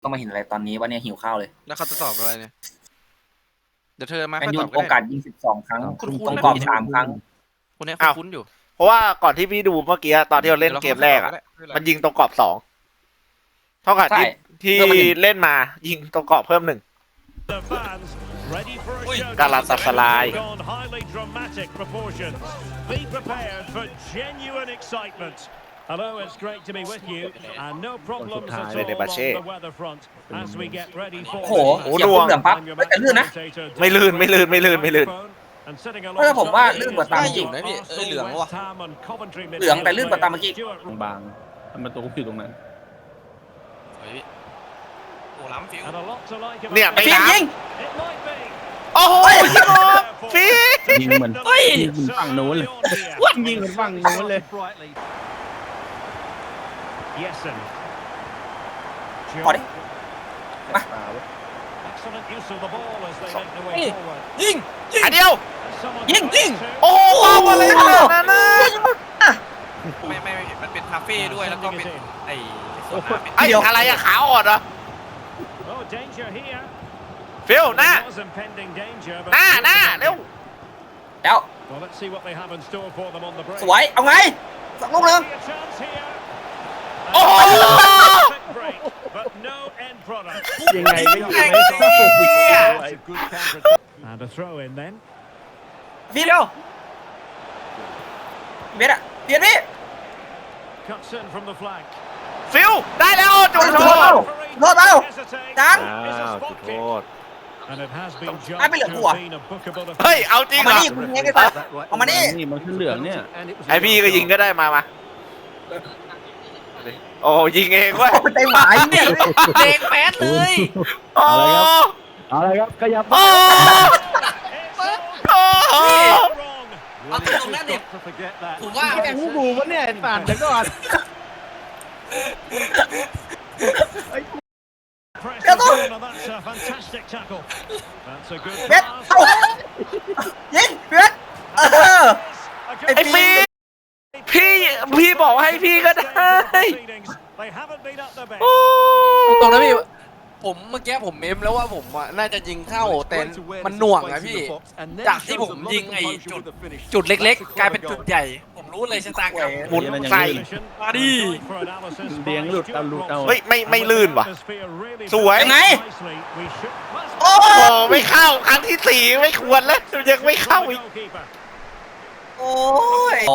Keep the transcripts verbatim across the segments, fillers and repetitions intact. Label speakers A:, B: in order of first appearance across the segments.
A: ต้องมาเห็นอะไรตอนนี้ว่าเนี่ยหิวข้าวเลย
B: แล้วเขาจะตอบอะไรเนี่ยเดี๋ยวเธอมา
A: แมน
B: ค่อย
A: ยู
B: ตอบก็
A: โอ
B: ได้
A: กาสยิงสิบสองครั้ง
B: คุณ
A: ตรงกรอบสามครั้ง
B: คนนี้
C: อ้าว
B: คุ้นๆอยู่
C: เพราะว่าก่อนที่พี่ดูเมื่อกี้ตอนที่เราเล่นเกมแรกอ่ะมันยิงตรงกรอบสองเท่ากับที่
A: ใช่
C: ที่
A: เพิ่มมาหนึ่ง
C: เล่นมายิงตรงกรอบเพิ่มหนึ่ง กาลาตาสลาย
D: Hello, it's great to be with you, and no problems at all on the weatherfront as we get ready
A: โอ้
D: for.
A: โหเสียบปุ๊บเหลืองปั๊บแต่ลื่นนะ
C: ไม่ลื่นไม่ลื่นไม่ลื่นไม่ลื่น
A: เออผมว่าลื่นกว่าตาม
B: ได้อยู่นะพี่เอ้ยเหลืองว่ะ
A: เหลืองแต่ลื่นกว่าตามเมื่อกี้
E: บางๆทำประตูอยู่ตรงนั้น
B: เฮ้ยโอ้ล้ำฟิว
C: เนี่ยไม่
A: ฟิล์ม
C: ล้ำ
A: ยิง
C: โอ้โหยิงออกฟี
E: ยิงเหมือน
A: เฮ้ย
E: ยิงเหมือนฝั่งโน้นเลยยิงเหมือนฝั่งโน้นเลย
D: Yesen.
A: ขอดิ
D: Excellent use of the ball as they make their way forward.
B: ยิง
C: อันเดียว
D: Someone
A: Ying,
D: to
A: ying.
D: to.
C: โอ้โหอะไรขนาดนั้นนะ
B: ไม่ไม่ไม่มันเป็นคาเฟ่ด้วยแล้วก็เป็นไอ้สวนน้ำเป็น
C: ไอ้อะไรอะขาอ่อนเหรอ
D: Oh, danger here.
C: ฟิลหน้า
D: There was impending danger, but
C: หน้าหน้าเร็ว
A: แล้ว
D: well, let's see what they have in store for them on the break.
A: สวยเอาไงสักลูกหนึง
D: A chance here.
C: โอ้โห
D: Quick break, but no end product.
E: ยังไงก็ยังไง
D: It's a good counter. And a throw in then.
A: ฟิล์มเดียวเบียดอะเบียดพี่
D: Cuts in from the flank.
C: ฟิลได้แล้วจุดโทษ
D: Referee
A: Rốt bao.
D: hesitates.
A: จัง
D: It's a
C: อ้าว
D: spot
C: จุดโท
D: kick.
C: ษ
D: And it has been judged
A: Ai biết
D: to
A: lượng của à?
D: have been a bookable
C: เฮ้ย
D: offence.
C: เอาจริง
A: เอา
C: เหร
A: มา
C: อ
A: นี่คุณยิงไงสัตว์เอามานี่
E: นี่มันขึ้นเหลืองเนี่ย
C: ไอพี่ก็ยิงก็ได้มามาโอ้ยิงเองเว้ย
A: โอ้ยใจหมายเนี่ย
B: เด็กแป๊ดเลย
C: โอ้
E: เอาเลยครับขยับ
C: โอ้โอ้
D: Wrong.
B: เอาตรงนั้นดิ
D: To forget that.
B: ผมว่า
E: แกงหูบูวะเนี่ยสาดเดี๋ยวก่อน
D: Press
A: Get
D: the
A: on.
D: ball, and that's a fantastic tackle. That's a good
A: เบียด
D: pass.
A: เอายิงเบียดเออ
D: A good
C: ไอฟีพี่พี่บอกให้พี่ก็ได้
D: proceedings. They haven't been at their best.
C: โอ้
B: ตรงนั้นพี่ผมเมื่อกี้ผมเมมแล้วว่าผมอ่ะน่าจะยิงเข้าแต่มันหน่วงอะพี่จากที่ผมยิงไอ้จุดจุดเล็กๆ กลายเป็นจุดใหญ่ ผมรู้เลยชะตากรรม
C: หมุนใส่
B: มาดิ
E: เดียงหลุดเอาหลุดเอา
C: เฮ้ยไม่ไม่ลื่นว่ะ สวย
A: ยังไง
D: โอ้
C: โอ้ไม่เข้าครั้งที่สี่ไม่ควรแล้วยังไม่เข้าอีก
A: โอ้ยโอ้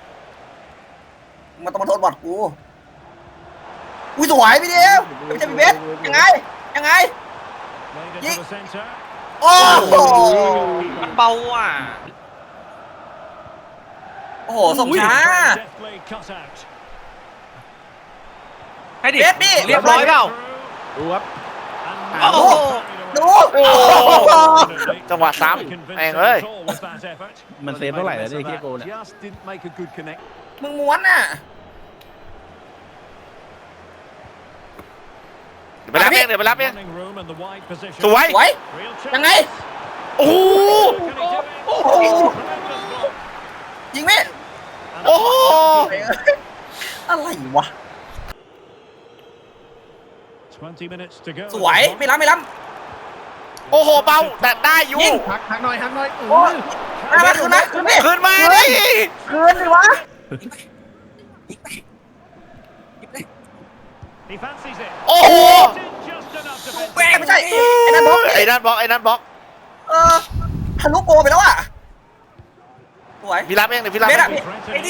A: มันต้องมาโทษบอดกูอุ้ยสวยพี่เดียวไม่ใช่พี่เบสยังไงยังไง โอ้โห
B: มันเบาอ่ะ
A: โอ้โหส่งช้า
B: ให้ดิ
A: เบสดิ
B: เรียบร้อยเปล่า
E: ดูครับ
B: โอ้โห
A: ดู
C: โอ้จังหวะซ้ำแม่งเอ้ย
E: มันเซฟเท่าไหร่แล้วเนี่ยที่โกเนี่ย
A: มึงม้วนน่ะ
C: เดี๋ยวไปรับเองเดี๋ยวไปรับเองสวย
A: สวยยังไง
C: โอ้โห
A: โอ้โหยิงไหม
C: โอ้โห
A: อะไรวะ
D: ส
A: สวยไม่ล้ำไม่ล้
C: โอ้โหเบาแต่ได้อยู่
A: ยิง
E: หักหักหน่อยหักหน่อย
A: ำโอ้ยมาคืนนะคืนดิ
C: ขึ้นมาดิ
A: คืนดิวะ
C: โอ้โห
A: แหวไม่ใช่ไอ้นั่นบล็อก
C: ไอ้นั่นบล็อกไอ้นั่นบล็อก
A: เออทะลุโกไปแล้วอ่ะสวย
C: พี่รับเองเดี๋ยวพี่รับ
A: เบ
C: เอ
A: สอะ
C: ง
A: ไอ้ดิ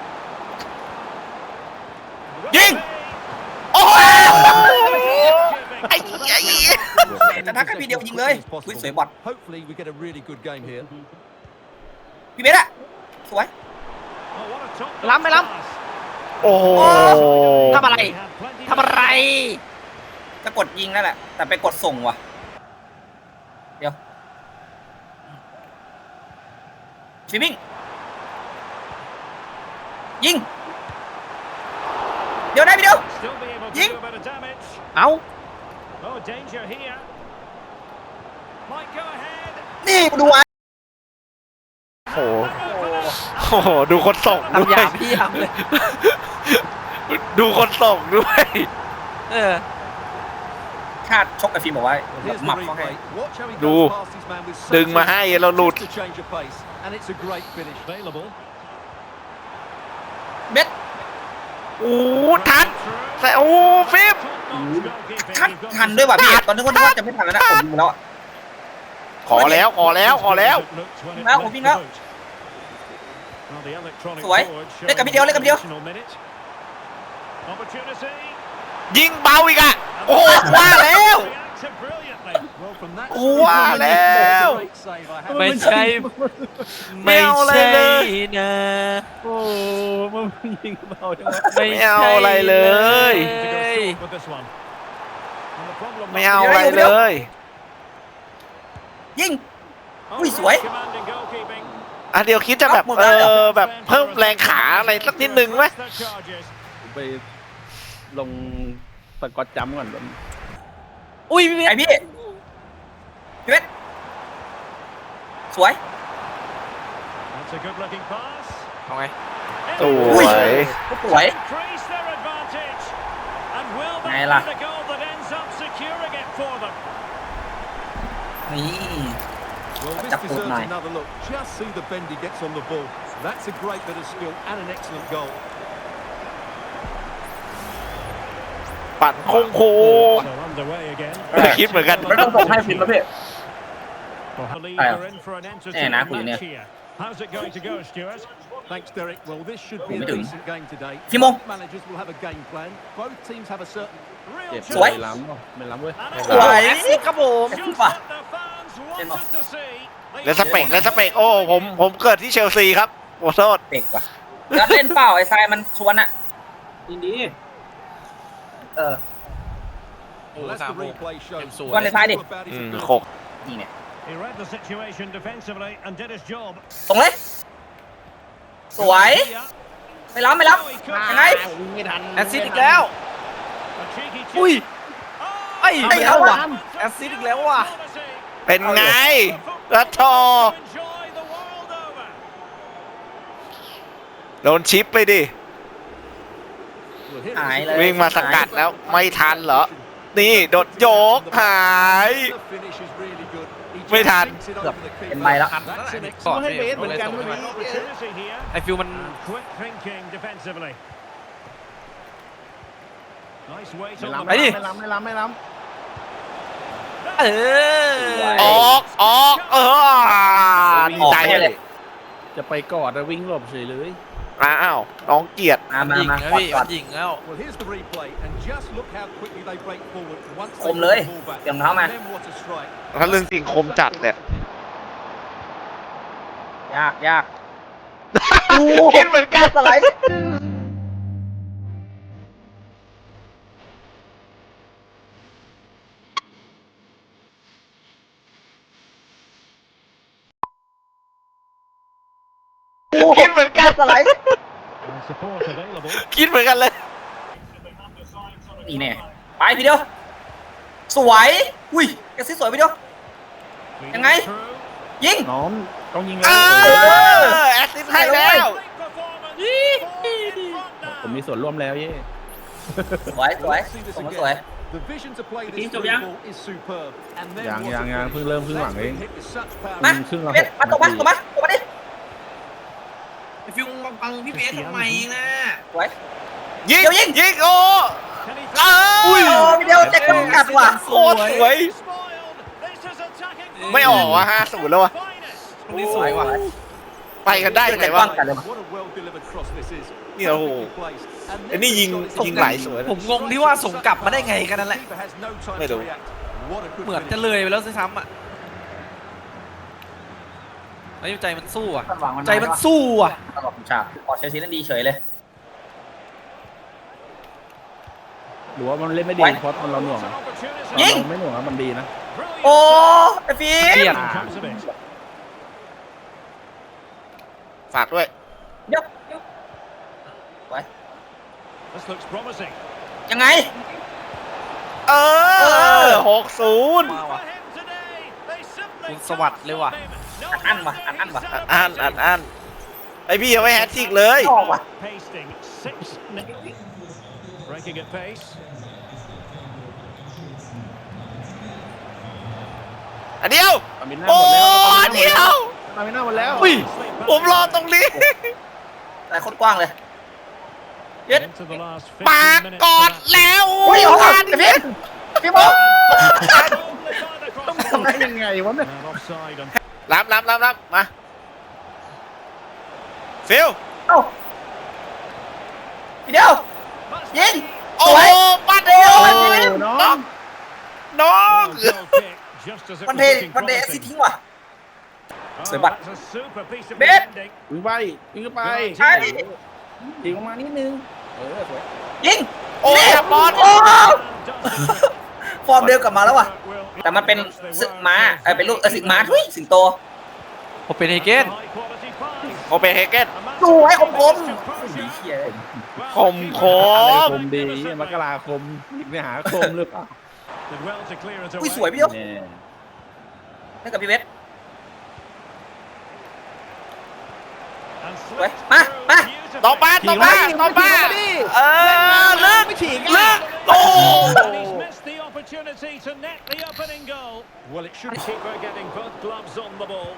C: ยิงโอ้โหไอ้ไอ้
A: จะทักแค่พีเดียวยิงเลยอุ้ยสวยบอด
F: Hopefully we get a really good game here.
A: พี่เบสอะสวย
B: ล้ำไม่ล้
C: โอ้โห
B: ทำอะไร ทำอะไร
A: จะกดยิงนั่นแหละแต่ไปกดส่งว่ะเดี๋ยวฟิมิงยิงเดี๋ยวได้พี่เดียว ยิง
B: เอ้า
A: นี่ดูไว้
C: โอ้โหโอ้โหดูคนส่งด้
B: ทำ
C: วย
B: หยาบพี่ทำเลย
C: ดูคนส่งด้วย
B: เออ
A: ชาติชกกับฟิล์มบอกว่า
F: Here's
A: หมั
F: the
A: บเขาให้
F: replay. Watch how he
C: Du.
F: goes past his man with such
C: ดึงมาให้เราหลุด
F: just a change of pace, and it's a great finish.
D: Available.
A: เบ็ด
C: โอ้ทันแต่โอ้ฟิป
A: ทันทันด้วยว่ะพี่ตอนนี้คนนึกว่าจะไม่ทันแล้วนะผมยิงแล้วอะ
C: ขอแล้วขอแล้วขอแล้ว
A: แล้วผมวิ่งแล้ว สวยเล่นกับพี่เดียวเล่นกับพี่เดียว
C: ยิงเบาอีกอ่ะโอ้ว่าแล้ว
F: Well, from that
C: กูว่าแล้ว
F: great save, I have
B: ไม่
F: to
B: ใช่
C: ไม่เอาอะไรเลย
B: นะ
E: โอ้มันยิงเบาจังวะ
B: ไม่
C: ไม่เอาอะไรเลย ไม่เอาอะไรเลย
A: ยิง อุ้ยสวย
C: อ่ะเดี๋ยวคิดจะแบบเออแบบเพิ่มแรงขาอะไรสักนิดนึงไหม
E: ไปลงสกอตจัมป์ก่อนแบบ
B: อุ้ยพี่เบ
A: ไอ
B: ส
A: พี่พี่เบ็ดสวย
B: เอาไง
C: ส
A: อุ้
C: วย ย
A: สวย ไงล่ะ นี่
F: Well, this
A: Chặt cụt
F: deserves
A: này.
F: another look. Just see the bend he gets on the ball. That's a great bit of skill and an excellent goal.
C: ปั่นโค้งโค้งไม่คิดเหมือนกัน
A: ไม่ต้องส่งให้ฟิล์มแล้วพี่
D: Eh, nah, aku ini.
E: How's it going to go, Stuart?
F: Thanks, Derek. Well, this should be a
A: Ủa,
F: decent game today.
A: Simon.
F: Both managers will have a game plan. Both teams have a certain
E: เจ็บ
A: สวย
E: ไม่ล้ำเปล่าไม่ล้ำเว้ย
A: สวย
B: แอสซิสต์ครับผม
A: ว่ะ
C: และสเปกและสเปกโอ้ผมผมเกิดที่เชลซีครับขอโทษ
A: เด็กว่ะแล้วเล่นเปล่าไอ้ทรายมันชวนอะยินดี เออ
B: โอ้
F: Well, as
B: สาม
F: the
B: โมง
F: replay shows,
B: เต็มสวย
A: Con này sai đi.
F: about his
C: อืม
F: ability.
C: หก
A: นี่เนี่ย
D: He read the situation defensively and did his job.
A: ส่งเลย สวย ไม่ล้ำไม่ล้ำยังไง
E: ไม่ทัน
B: แอสซิสต์อีกแล้ว
D: A cheeky chip.
B: อุ้ยไอ้
A: ไอ้เอาว่ะ
B: แอสซิสต์อีกแล้วว่ะ
C: เป็นไงรัทอ
D: Enjoy the world over.
C: โดนชิปไปดิ
F: Well, here
A: หาย
F: is
A: เลย
C: วิ่งมาสกัดแล้วไม่ทันเหรอ นี่โดดโยกหาย
F: the finish is really good. He just
C: ไม่ทัน
F: sinks it
A: เกือบ
F: over the
A: เป็น
F: keeper.
A: ใบแล้ว
F: That's an
B: ก่อน
E: ให้เบสเหมื
B: เล
E: อน
B: ย
E: กัน
B: ส่ง
E: เมื่อ
B: ให้
E: กี้
B: มัน
D: Opportunity here.
B: ไอฟิลมัน
D: And quick thinking defensively. Nice weight
E: ไม่
D: on
E: ล้ำ
D: the
E: ไม่
B: ไปดิ
E: ล้ำไม่ล้ำไม่ล้ำ
B: เออ
C: ออกออกเออดีใจ
A: ออกไป
C: เล
A: เลย ย
E: จะไปกอดแล้ววิ่งหลบเฉยเลย
C: อ้าวน้องเกียรติ
A: มามา
B: ยิง
A: มา
B: นะ
A: กอด
B: พี่
A: กอ
B: มั
A: ด
B: นยิงแล้ว
F: Well, here's the replay, and just look how quickly they break forward once
A: ค
F: they
A: ม
F: get
A: เลย
F: the ball back.
A: เตรียมเท้ามา
F: Then what a strike.
C: ถ้าเรื่องจริงคมจัดเนี่ย
A: ยากยาก
C: คิดเหมือนกัน
A: สไลด์คิดเหมือนกันสไลด์
D: And support available.
C: คิดเหมือนกันเลย
A: นี่แน่ไปพี่เดียว สวย อุ้ยกระซิบสวยพี่เดียว
D: Feeding
A: ยังไง?
D: through.
A: ยิง
E: น้องต้องยิง
C: เอ
E: แล้ว
C: อแอสซิสต์ให้แล้ว
D: Great performance. Four in front
E: ผม
D: now.
E: มีส่วนร่วมแล้วเย่
A: สวยสวย
F: Let's see this
A: ผมว่า
F: again.
A: สวย
F: The vision to play
A: Tí
F: this
A: chụp
F: through
A: nhá.
F: ball is superb. And then
E: ยัง
F: what
E: ยัง
F: a
E: ยัง
F: finish.
E: เพิ่งเริ่มครึ่งหลัง
F: That's
E: เอง
F: been hit with such power.
A: มา
E: ครึ่งละ
A: เบ็ด
E: หก
A: มาตกมา
E: นาที
A: ตกมาตกมาดิ
B: ฟิลบังพี่เบสทำไมนะ
A: สวย
C: ยิง
A: เดี๋ยวยิง
C: ยิงโอ้
D: Can he
C: เอ
A: โอ้
C: อ
A: พี่เดียวเจ็บกำกัดว่ะ
C: โคตรสวย
D: spoiled? This is attacking
C: ไม่ออกอ่ะห้าศูนย์แล้ววะ
D: finest.
B: ตรงนี้สวยว่ะ
C: ไปกันได้ยังไงวะ
A: กันเลย
F: What a well-delivered cross this is.
C: เนี่ยโอ้โห
F: Perfectly placed. And
C: ไอ้นี่ยิง
F: then the shot is
C: ยิงหลายสวย
B: ผมงงที่ว่าส่งกลับมาได้ไงกันนั่นแหละ
F: Keeper has no time
C: Mày
F: to
C: đủ.
F: react. What a good
B: เหมือน
F: finish.
B: จะเลยไปแล้วซ้ำๆอ่ะไอ้ใจมันสู้อ่ะ ใจมันสู้อ่ะ
A: ตลอดฉากพอเชลซีนั้นดีเฉยเลย
E: หรือว่ามันเล่นไม่ดี
A: ไว้
E: เพราะตอนเราหน่วงอะ
D: Opportunity.
A: ยิง
E: เราไม่หน่วงอะมันดีนะ
D: Brilliant.
A: โอ้ไอ้ฟิล์
B: เกลียด
A: ม
D: Comes of it.
C: ฝากด้วย
A: เดี๋ยวเดี๋ยวไว้
D: This looks promising.
A: ยังไง
C: เออหกศูนย์
B: มา
D: For
B: ว่ะ
D: him today, they simply
B: คุณสวัสดิ์เลยว่ะ
D: can't stop him. No
A: อันว่ะอันอันว่ะ
C: อ่านอ่านอ่านไอพี่ยังไม่แฮตทริกเลย
A: ออกว่ะ
D: Pasting six. Breaking at pace.
C: อันเดียว
E: ตามิน่า
C: โอ้
E: หมดแล้ว
C: อันเดียว
E: ตามิน่าหมดแล้ว
C: อุ้ยผมรอตรงนี้
A: แต่โคตรกว้างเลยเย็ด
D: Into the last
C: ปาก
D: fifteen minutes
C: กอด
D: of that.
C: แล้ว
A: อุ้ยออกกันพี่พี่บอก
E: ทำได้ยังไงวะเนี่ย
D: And offside and
C: รับรับรับรับมาฟิล
A: เอ้าพี่เดียวยิง
C: โอ้
A: สวย
C: ปัดเดียว
A: โอ้
E: น้อง
C: น้อง
D: goal kick just as it
A: มัน
D: was
A: เท
D: looking
A: มันเทแอสซิส
D: promising.
A: ทิ้งว่ะ
D: Oh,
A: Sửa bật.
D: that's a super piece of
A: Biết.
D: defending.
E: วิ่งไปวิ่งเข้าไป
A: ใช่
E: ยิงออกมานิดนึงเออสวย
A: ยิง
C: โอ้ยบอล
A: โอ้
D: And does the trick.
A: ฟอร์มเดิมกลับมาแล้วว่ะ
D: Will-
A: แต่มันเป็นศึกม้าเออเป็นลูกเออศึกม้าทุยสิงโต
B: ผมเป็นเฮเกน
D: High quality pass.
C: โอเปนเฮเกน
D: A massive
A: สวยคมคม
D: composure.
A: เหี้ย
D: Well,
C: คมค
E: อะไร
C: ม
E: คมดีมกราคมไม่หาคมหรือเปล่า
D: did well to clear it
A: อุ้ย
D: away.
A: สวยพี่เดียว
E: เนี่ย
A: ให้กับพี่เวส
D: And
A: Uầy,
D: slipped
A: ma,
D: through
A: ma.
D: beautifully.
C: ต่อมาต่อมาต่อมาเออลึกลึกโอ้
D: And he's missed the opportunity to net the opening goal.
F: Well, it should
D: Keeper getting both gloves on the ball.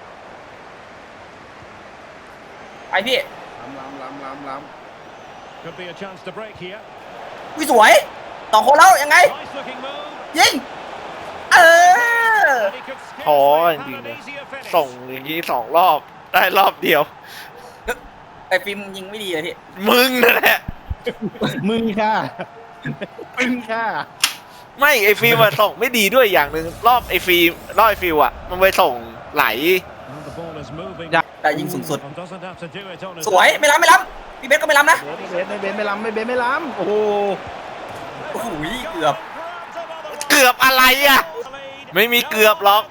A: ไปพี่
E: ล้ำล้ำล้ำล้
D: Could be a chance to break here.
A: อุ้ยสวยสองคนแล้วยังไง
D: Nice looking move.
A: ยิง เออ
D: And he could
C: โอ้ย
D: scarcely
C: จริง
D: have
C: เลย
D: an easier finish.
C: ส่งอย่างนี้สองรอบได้รอบเดียว
A: ไอ้ฟิล์มยิงไม่ดีเลยพี่
C: มึงนั่นแหละ
E: ำมึงค่ะมึงค่ะ
C: ไม่ไอฟิล์มอะส่งไม่ดีด้วยอย่างหนึ่งรอบไอฟิล์มรอบไอฟิลอะมันไปส่งไหล
D: And the ball is moving.
A: แต่ยิงสูงสุด
D: And doesn't have to do it on his
A: สวย
D: own.
A: ไม่ล้ำไม่ล้ำพี่เบสก็ไม่ล้ำนะ
E: เบสไม่เบสไม่ล้ำไม่เบสไม่ล้ำโอ้โห
A: โอ้โหเกือบ
C: เกือบอะไรอะ ไม่มีเกือบหรอก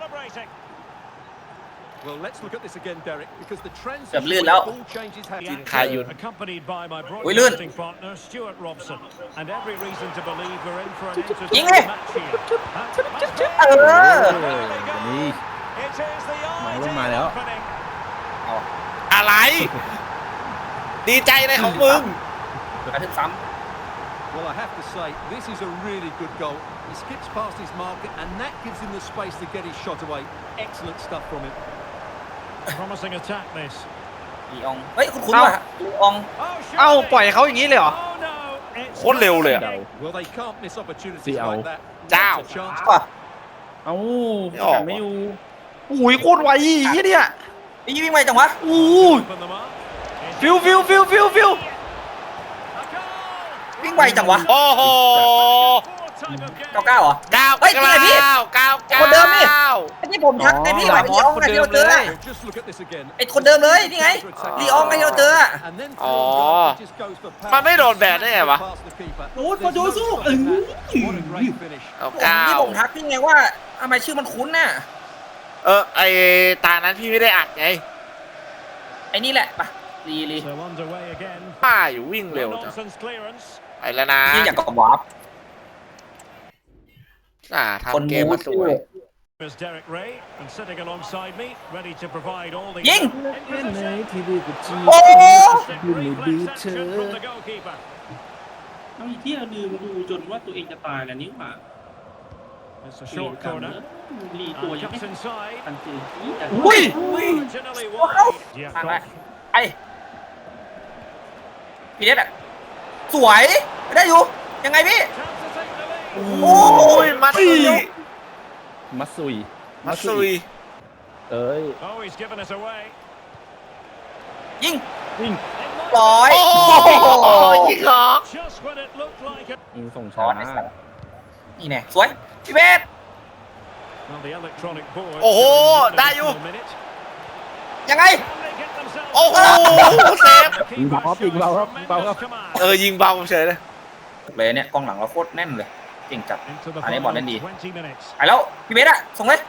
F: Well, let's look at this again, Derek, because the transition
A: เกือบลื่นแล้ว
F: ball changes happen.
C: จินคายุน
D: Accompanied by my
A: อุ้ยลื่น
D: broadcasting partner Stuart Robson, and every reason to believe we're in for an
A: ยิง
D: entertaining
A: เลย
D: match here. That must be-
A: เออ
E: นี่
D: It is the
E: มาลงมาแล้ว
D: opening.
C: อะไร ดีใจในของมึง
A: กระทึกซ้
F: Well, I have to say, this is a really good goal. He skips past his marker, and that gives him the space to get his shot away. Excellent stuff from him.
D: Promising attack this.
A: ำลีออง เฮ้ย คุณคุณว่ะลีออง
D: Oh,
B: เอ้า
D: surely.
B: ปล่อยเขาอย่างนี้เลยเหรอ
D: Oh, no. It's
C: โคตรเร็วเลยอะ
D: Messi.
F: Well, they can't miss opportunities
E: See,
F: like
E: Al.
F: that.
C: Down.
F: Lots of chance.
A: ว่ะ
E: เอ้า
C: ไม่ออก
E: ไม่อยู่
B: อุ้ยโคตรไวยี่เนี่ย
A: นี่วิ่งไวจังวะ
B: อู้
D: Open them up. It's
B: ฟิวฟิวฟิวฟิวฟิว
D: a goal.
A: วิ่งไวจังวะ
C: โอ้โห
D: Four type of game.
A: เก้าเก้าเหรอ
C: เก้า
A: เฮ้ยจริงเหรอพี่
C: เก้าเก้าเก้า
A: คนเดิมนี่ ไอ้ที่ผมทักไอ้พี่หมายถึงลีอองไงที่เราเจออะ
F: Well, just look at this again.
A: ไอ้คนเดิมเลยนี่ไงลีอองไงที่เราเจออะ
F: And then
C: อ๋อ
F: through, he just goes for power.
C: มันไม่โดนแบนได้ไงวะ
F: Past the keeper.
E: โอ้ยพอโดนสู้เออ
F: What a great finish.
C: เก้า
A: ผม
C: เก้า
A: ที่ผมทักพี่ไงว่าทำไมชื่อมันคุ้นน่ะ
C: เออไอตานั้นพี่ไม่ได้อัดไง
A: ไอ้นี่แหละปะลีลี
D: So underway again.
C: ป้าอยู่วิ่งเร็ว
D: No
C: จัง
D: nonsense clearance.
C: ไปแล้วนะ
A: นี่อยากกับวาร์ป
C: อ่า
A: คน
C: ทำเกม
A: มู
C: มา
A: ด
C: สวย
D: There's Derek Ray, and sitting alongside me, ready to provide all the.
A: ยิง
E: เป็นไหนที่ดีกว่าจี
A: โอ้
E: ดูไม่ดูเธ
D: Reflex
E: อ
D: action from the goalkeeper.
G: เอาอีกที่ลืมดูจนว่าตัวเองจะตายแล้วนี่หว่า
D: It's a short corner.
G: รีตัว
D: And
G: ยังไม่
D: cuts inside.
G: ทันเจอที่แต่
C: อุ้ย
D: Marginally wide.
A: ผ่านไป
D: Diakov.
A: ไอ้พี่เด็ดอะสวยไม่ได้อยู่ ยังไงพี่
D: Chance to take the lead.
C: โอ้ยมัดซุย
E: มัตซุย
C: มัดซุย
E: เอ้ย
D: Oh, he's given us away.
A: ยิง
E: วิ่ง
D: It might
A: ร้อย
C: โอ้โหยิงหรอก
D: just when it looked like it.
E: ยิงส่ง
A: ร้
E: ช้า
A: อยไอ้สัตว์นี่แน่สวย พี่เบส
D: Well, the electronic board.
C: โอ้โห
D: showing an
C: ได้อยู่
D: additional minute.
A: ยังไง
D: Can they get themselves
C: โอ้โห เซฟ
D: The keeper
E: เบาครับยิงเบาครับ
D: shows
E: เบาครับ
D: tremendous command.
C: เออ ยิงเบาเฉยเลย
A: เลยเนี่ยกองหลังเราโคตรแน่นเลยเก่งจัด
D: Into the
A: อันนี้บอลเล่น
D: final
A: ดี
D: twenty minutes.
A: ไปแล้ว พี่เบสอะส่งเลย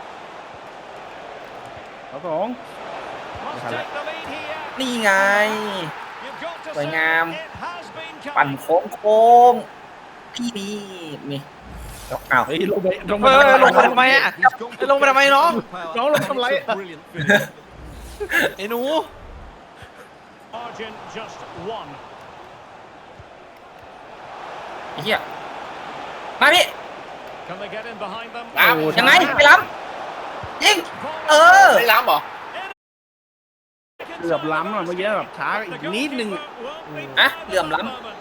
E: เอาสอง
D: Must take the lead here.
A: นี่ไง
D: You've got to
A: สวย
D: say
A: งาม
D: it has been
A: ปั่น
D: coming.
A: โค้งโค้งพี่นี่นี่ยกเอา
E: เฮ้ยลงไปลง
B: เออลงมาทำไมอะ
F: He's gone for
B: ลงไปทำไมน้อง
F: power.
E: น้องลงทำไร
F: It's a brilliant finish.
B: ไอ้หนู
D: Margin just one.
A: ไอ้เหี้ยมาพี่
D: Can they get in behind them?
C: ล้
A: ยังไงไปล้ำยิงเออ
C: ำไม่ล้ำเหรอ
E: เกือบล้ำอ่ะเมื่อกี้แบบช้าอีกนิดนึง
D: Won't be
A: อะเหลื่อมล้
D: moment.